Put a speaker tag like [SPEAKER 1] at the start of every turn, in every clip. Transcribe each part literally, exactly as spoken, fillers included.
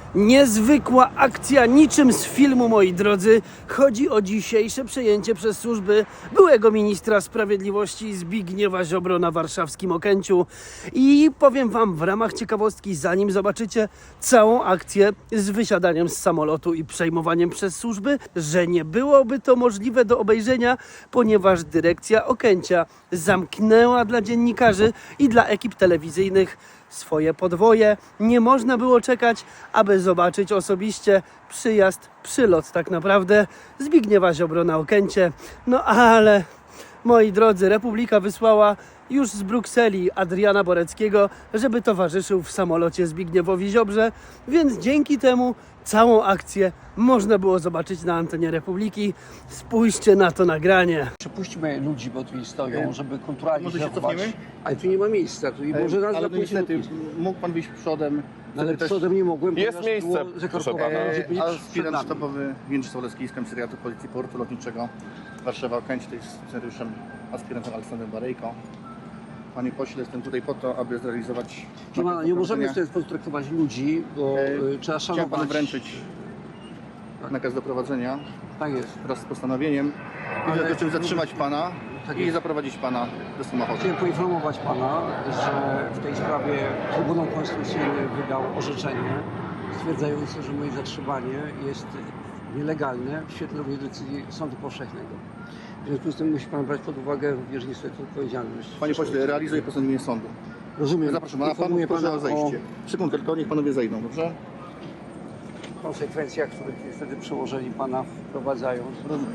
[SPEAKER 1] Niezwykła akcja, niczym z filmu, moi drodzy. Chodzi o dzisiejsze przejęcie przez służby byłego ministra sprawiedliwości Zbigniewa Ziobro na warszawskim Okęciu. I powiem wam w ramach ciekawostki, zanim zobaczycie całą akcję z wysiadaniem z samolotu i przejmowaniem przez służby, że nie byłoby to możliwe do obejrzenia, ponieważ dyrekcja Okęcia zamknęła dla dziennikarzy i dla ekip telewizyjnych swoje podwoje. Nie można było czekać, aby zobaczyć osobiście przyjazd, przylot tak naprawdę Zbigniewa Ziobro na Okęcie. No ale, moi drodzy, Republika wysłała już z Brukseli Adriana Boreckiego, żeby towarzyszył w samolocie Zbigniewowi Ziobrze, więc dzięki temu całą akcję można było zobaczyć na antenie Republiki. Spójrzcie na to nagranie.
[SPEAKER 2] Przepuśćmy ludzi, bo tu stoją, żeby kulturalnie
[SPEAKER 3] Może się
[SPEAKER 2] zachować.
[SPEAKER 3] cofniemy?
[SPEAKER 2] Ale tu nie ma miejsca, tu i może raz
[SPEAKER 3] ale
[SPEAKER 2] na
[SPEAKER 3] no niestety mógł pan wyjść przodem.
[SPEAKER 2] Ale
[SPEAKER 3] Wtedy też,
[SPEAKER 2] przodem nie mogłem,
[SPEAKER 4] Jest
[SPEAKER 2] ponieważ
[SPEAKER 4] miejsce,
[SPEAKER 2] było
[SPEAKER 4] proszę
[SPEAKER 2] zakorkowane.
[SPEAKER 4] pana.
[SPEAKER 2] Ludzie byli
[SPEAKER 3] e,
[SPEAKER 2] przed
[SPEAKER 3] aspirant
[SPEAKER 2] nami.
[SPEAKER 3] sztabowy Jędrzej Solecki z Komisariatu Policji Portu Lotniczego Warszawa Okęcie, to jest scenariuszem aspirantem Aleksandrem Barejko. Panie pośle, jestem tutaj po to, aby zrealizować...
[SPEAKER 2] Nie, ma, nie możemy w
[SPEAKER 3] nakaz
[SPEAKER 2] ten sposób traktować ludzi, bo
[SPEAKER 3] E,
[SPEAKER 2] y, trzeba
[SPEAKER 3] Chciałem panu
[SPEAKER 2] szanować.
[SPEAKER 3] wręczyć nakaz doprowadzenia
[SPEAKER 2] Tak jest.
[SPEAKER 3] wraz z postanowieniem i w
[SPEAKER 2] Ale-
[SPEAKER 3] związku z czym zatrzymać pana
[SPEAKER 2] Tak
[SPEAKER 3] i
[SPEAKER 2] jest.
[SPEAKER 3] zaprowadzić pana do samochodu.
[SPEAKER 2] Chciałem poinformować pana, że w tej sprawie Trybunał Konstytucyjny wydał orzeczenie stwierdzające, że moje zatrzymanie jest nielegalne w świetle również decyzji Sądu Powszechnego. W związku z tym musi pan brać pod uwagę również niestety odpowiedzialność.
[SPEAKER 3] Panie pośle, realizuję postanowienie sądu.
[SPEAKER 2] Rozumiem.
[SPEAKER 3] Zapraszam, a pan
[SPEAKER 2] Informuję
[SPEAKER 3] proszę
[SPEAKER 2] pana
[SPEAKER 3] o zejście. Sekundkę, tylko niech panowie zejdą, dobrze?
[SPEAKER 2] o konsekwencjach, które niestety przełożeni pana wprowadzają.
[SPEAKER 3] Rozumiem.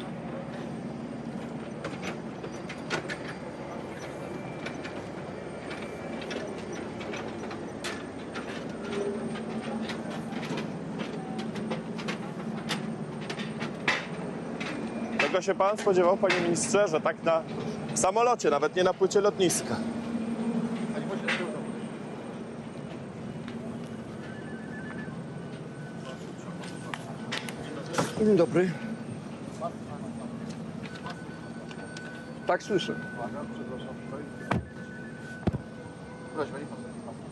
[SPEAKER 4] Czego się pan spodziewał, panie ministrze, że tak na w samolocie, nawet nie na płycie lotniska?
[SPEAKER 2] Dzień dobry. Tak słyszę.
[SPEAKER 3] Proszę, panie poseł.